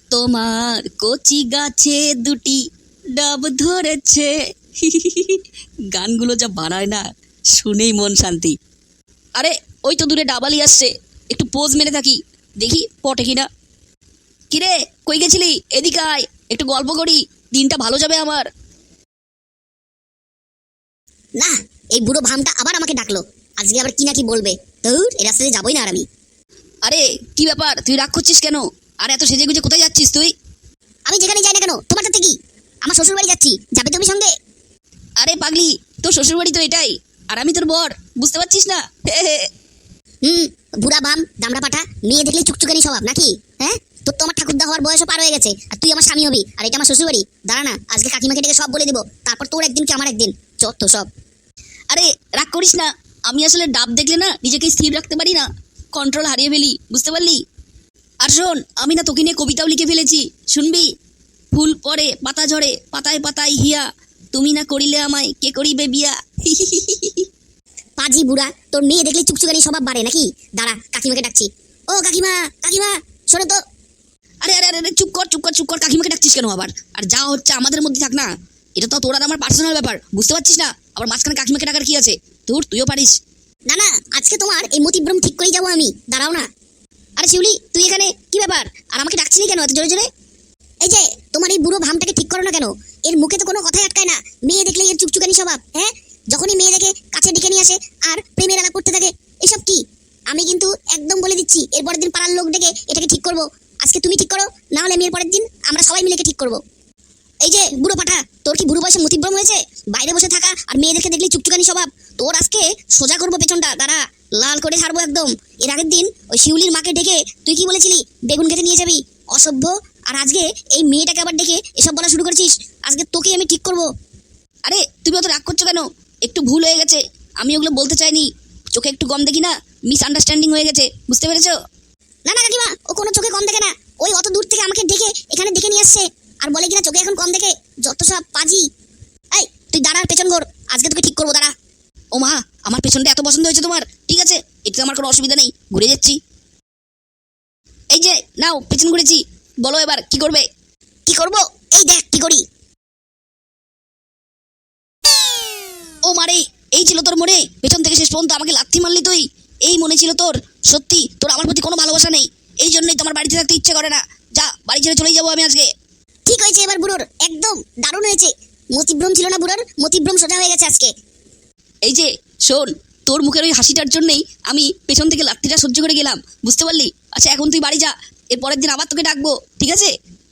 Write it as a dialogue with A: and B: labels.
A: তোমার কচি গাছে দুটি ডাব ধরেছে। গানগুলো যা বানায় না, শুনেই মন শান্তি। আরে ওই তো দূরে ডাবালি আসছে, একটু পোজ মেরে থাকি, দেখি পটে কিনা। কিরে কই গেছিলি? এদিকে আয়, একটু গল্প করি, দিনটা ভালো যাবে আমার।
B: না, এই বুড়ো ভামটা আবার আমাকে ডাকলো। আজকে আবার কি না কি বলবে। ধুর, এই রাস্তাতে যাবোই না আর আমি।
A: আরে কি ব্যাপার, তুই রাগ করছিস কেন? আর এত সেজে গুজে কোথায় যাচ্ছিস তুই?
B: আমি যেখানে যাই না কেন, তোমার তাতে কি? আমার শ্বশুর বাড়ি যাচ্ছি, যাবে তুমি সঙ্গে?
A: আরে পাগলি, তোর শ্বশুরবাড়ি তো এটাই, আর আমি তোর বর, বুঝতে পারছিস না?
B: বুড়া বাম দামড়া পাঠা, মেয়ে দেখলেই চুকচুকানি স্বভাব নাকি? হ্যাঁ, তোর তো আমার ঠাকুরদা হওয়ার বয়সও পার হয়ে গেছে, আর তুই আমার স্বামী হবি, আর এটা আমার শ্বশুর বাড়ি। দাঁড়া না, আজকে কাকিমাকে ডেকে সব বলে দিব, তারপর তোর একদিন কি আমার একদিন, যত সব।
A: আরে রাগ করিস না, আমি আসলে ডাব দেখলে না নিজেকে স্থির রাখতে পারি না, কন্ট্রোল হারিয়ে ফেলি, বুঝতে পারলি? আর শোন, আমি না তোকে নিয়ে কবিতাও লিখে ফেলেছি, শুনবি? ফুল পড়ে পাতা ঝরে, পাতায় পাতায় হিয়া, তুমি না করিলে আমায় কে করিবে বিয়া।
B: পাজি বুড়া, তোর মেয়ে দেখলে চুকচুকানি স্বভাব বাড়ে নাকি? দাঁড়া, কাকিমাকে ডাকছি। ও কাকিমা, কাকিমা শোনো তো।
A: আরে আরে আরে চুপ কর চুপ কর চুপ কর, কাকিমাকে ডাকছিস কেন আবার? আর যা হচ্ছে আমাদের মধ্যে থাক না, এটা তো তোর আর আমার পার্সোনাল ব্যাপার, বুঝতে পারছিস না? আবার মাঝখানে কাকিমাকে ডাকার কি আছে? তুইও পারিস।
B: না না, আজকে তোমার এই মতিভ্রম ঠিক করেই যাবো আমি, দাঁড়াও না। আরে শিউলি, তুই এখানে কি ব্যাপার? আর আমাকে ডাকছিলি কেন এত জোরে জোরে? এই যে তোমার এই বুড়ো ভামটাকে ঠিক করো না কেন? এর মুখে তো কোনো কথাই আটকায় না, মেয়ে দেখলে এর চুকচুকানি স্বভাব। হ্যাঁ, যখনই মেয়ে দেখে কাছে ডেকে নিয়ে আসে আর প্রেমের আলাপ করতে থাকে। এসব কি? আমি কিন্তু একদম বলে দিচ্ছি, এর পরের দিন পাড়ার লোক ডেকে এটাকে ঠিক করবো। আজকে তুমি ঠিক করো, না হলে আমি এর পরের দিন আমরা সবাই মিলে ঠিক করবো। এই যে বুড়ো পাঠা, তোর কি বুড়ো বয়সে মতিভ্রম হয়েছে? বাইরে বসে থাকা আর মেয়েদেরকে দেখলেই চুকচুকানি স্বভাব। তোর আজকে সোজা করবো পেছনটা, দাঁড়া, লাল করে ছাড়বো একদম। এর আগের দিন ওই শিউলির মাকে ডেকে তুই কি বলেছিলি? বেগুন খেতে নিয়ে যাবি, অসভ্য। আর আজকে এই মেয়েটাকে আবার ডেকে এসব বলা শুরু করেছিস। আজকে তোকেই আমি ঠিক করবো।
A: আরে তুমি অত রাগ করছো কেন? একটু ভুল হয়ে গেছে, আমি ওগুলো বলতে চাইনি, চোখে একটু কম দেখি না, মিসআন্ডারস্ট্যান্ডিং হয়ে গেছে, বুঝতে পেরেছো?
B: না না কাকিমা, ও কোনো চোখে কম দেখে না। ওই অত দূর থেকে আমাকে ডেকে এখানে ডেকে নিয়ে আসছে আর বলে কিনা চোখে এখন কম দেখে, যত সব পাজি। এই তুই দাঁড়ার পেছন ঘোর, আজকে তোকে ঠিক করবো, দাঁড়া।
A: ও মা, আমার পেছনটা এত পছন্দ হয়েছে তোমার? ঠিক আছে, এতে আমার কোনো অসুবিধা নেই, ঘুরে যাচ্ছি। এই যে নাও, পেছন ঘুরেছি, বলো এবার কি করবে?
B: কি করবো? এই দেখ কি করি।
A: ও মারে, এই ছিল তোর মনে? পেছন থেকে শেষ পর্যন্ত আমাকে লাথি মারলি তুই? এই মনে ছিল তোর? সত্যি তোর আমার প্রতি কোনো ভালোবাসা নেই? এই জন্যই তোমার বাড়িতে থাকতে ইচ্ছে করে না। যা, বাড়ি ছেড়ে চলেই যাবো আমি আজকে।
B: ঠিক হয়েছে এবার বুড়োর, একদম দারুণ হয়েছে। মতিভ্রম ছিল না বুড়োর, মতিভ্রম সোজা হয়ে গেছে আজকে।
A: এই যে শোন, তোর মুখের ওই হাসিটার জন্যই আমি পেছন থেকে লাথিটা সহ্য করে গেলাম, বুঝতে পারলি? আচ্ছা এখন তুই বাড়ি যা, এর পরের দিন আবার তোকে ডাকবো, ঠিক আছে?